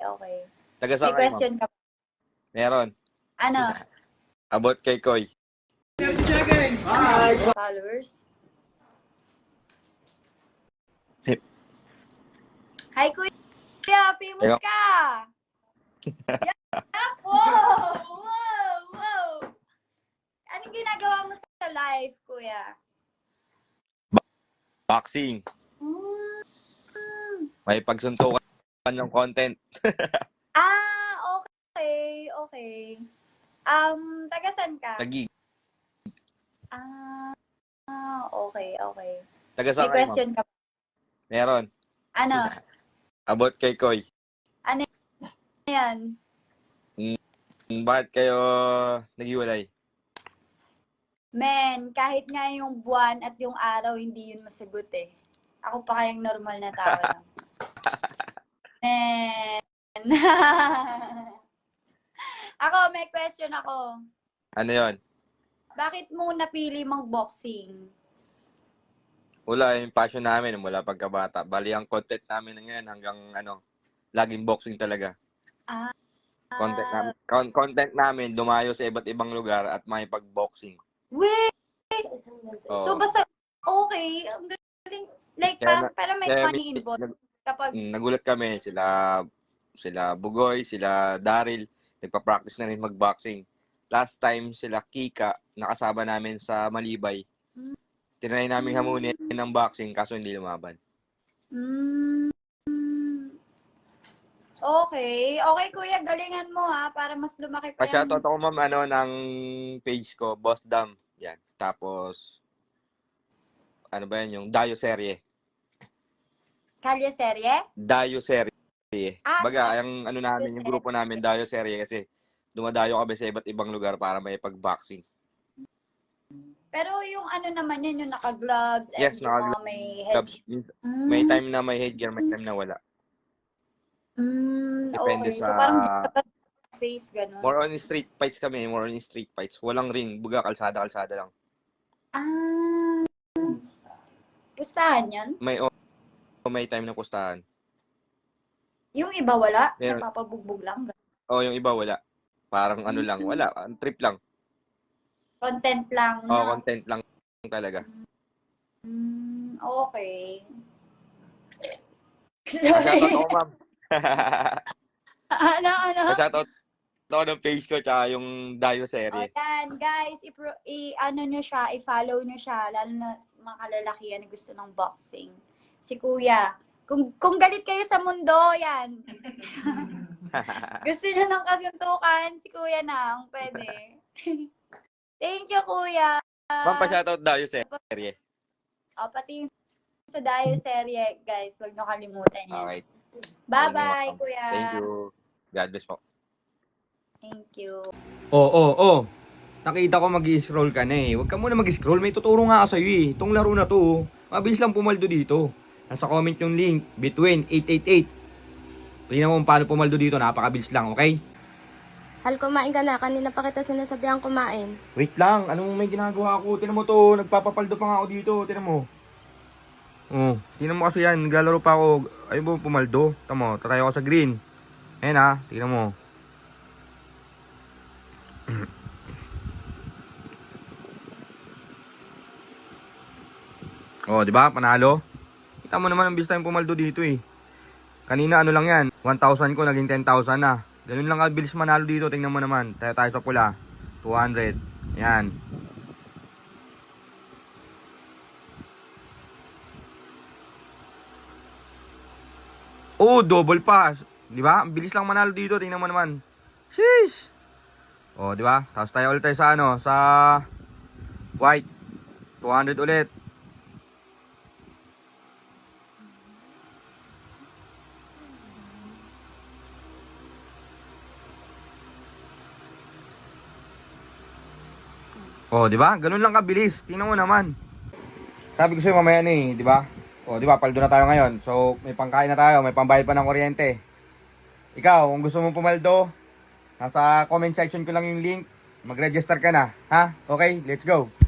okay. Taga May saan kayo, ma'am? question ka. Meron. Ano? About kay Koy. Followers? Sip. Hi, Kuya! Famous Ayun. ka! Wow! Wow! Wow! Anong ginagawa mo sa live, Kuya? Boxing. Mm. May pagsuntukan ng content. Okay. Okay. Taga saan ka? Tagig. Okay. Taga May saan kayo, ma'am? question ka. Meron. Ano? About kay Koy. Ano yan? Bakit kayo naghiwalay? Men, kahit nga yung buwan at yung araw, hindi yun masagot eh. Ako pa kayang normal na tao lang. Men. Ako, may question ako. Ano yon? Bakit mo napili mag-boxing? Wala, yung passion namin mula pagkabata. Bali, ang content namin ngayon hanggang laging boxing talaga. Content namin dumayo sa iba't ibang lugar at may pag-boxing. Wait! Oo. So, basta, okay. Ang galing. Like, parang may money involved. Kapag, Nagulat kami, sila Bugoy, sila Daryl, nagpa-practice na rin mag-boxing. Last time, sila Kika, nakasama namin sa Malibay. Tinry namin hamunin ng boxing, kaso hindi lumaban. Okay. Okay, Kuya, galingan mo ha, para mas lumaki pa yung... Pa-shoutout ako, ma'am, ng page ko, Boss Dam. Yan. Tapos, ano ba yan, yung Dayo Serye. Kalye serye? Dayo Serye. Baga, Dayo yung ano namin, yung grupo namin, Dayo Serye, kasi dumadayo kami sa iba't ibang lugar para may pag-boxing. Pero yung ano naman yun, yung naka-gloves, Yes, and yung mga may head... May time na may headgear, may time na wala. Depende okay. sa... So, parang face, gano'n. More on street fights kami, more on street fights. Walang ring, buga, kalsada lang. Pustahan yan? May time na pustahan. Yung iba wala? Meron. Napapabugbog lang? Yung iba wala. Parang ano lang, wala. Trip lang. Content lang, no? Content lang talaga. Okay. Shoutout ako, ma'am. Ano? Shoutout ako ng page ko tsaka yung Dayo Serye. Yan, guys, i-follow nyo siya, lalo na mga kalalakihan na gusto ng boxing. Si Kuya. Kung galit kayo sa mundo, yan. Gusto nyo ng kasuntukan, si Kuya na ang pwede. Thank you, Kuya. Ma'am, pa-shoutout Dayo Serye. Pati yung sa Dayo Serye, guys, huwag nyo kalimutan yan. Okay. Bye-bye, Kuya. Thank you. God bless po. Thank you. Nakita ko mag-scroll ka na eh. Huwag ka muna mag-scroll. May tuturo nga ako sa'yo eh. Itong laro na to, mabilis lang pumaldo dito. Nasa comment yung link, between 888. Tingnan mo kung paano pumaldo dito. Napakabilis lang, okay? Hal, kumain ka na. Kanina pa kita sinasabihan kumain. Wait lang. Anong may ginagawa ako? Tingnan mo to. Nagpapapaldo pa nga ako dito. Tingnan mo. Tingnan mo kasi yan. Naglalaro pa ako. Ayun mo pumaldo. Tingnan mo. Tatay ako sa green. Ayan ha. Tingnan mo. Di ba? Panalo. Kita mo naman ang bilis tayong pumaldo dito eh. Kanina ano lang yan. 1,000 ko naging 10,000 na. Ganun lang kabilis manalo dito. Tingnan mo naman. Tayo sa pula. 200. Yan. Double pass. Di ba? Ang bilis lang manalo dito. Tingnan mo naman. Sheesh. Di ba? Tapos tayo ulit tayo sa sa white. 200 ulit. Di ba? Ganun lang kabilis. Tingnan mo naman. Sabi ko sa'yo mamaya na eh, di ba? Di ba? Paldo na tayo ngayon. So, may pangkain na tayo. May pambayad pa ng kuryente. Ikaw, kung gusto mong pumaldo, nasa comment section ko lang yung link. Mag-register ka na. Ha? Okay, let's go.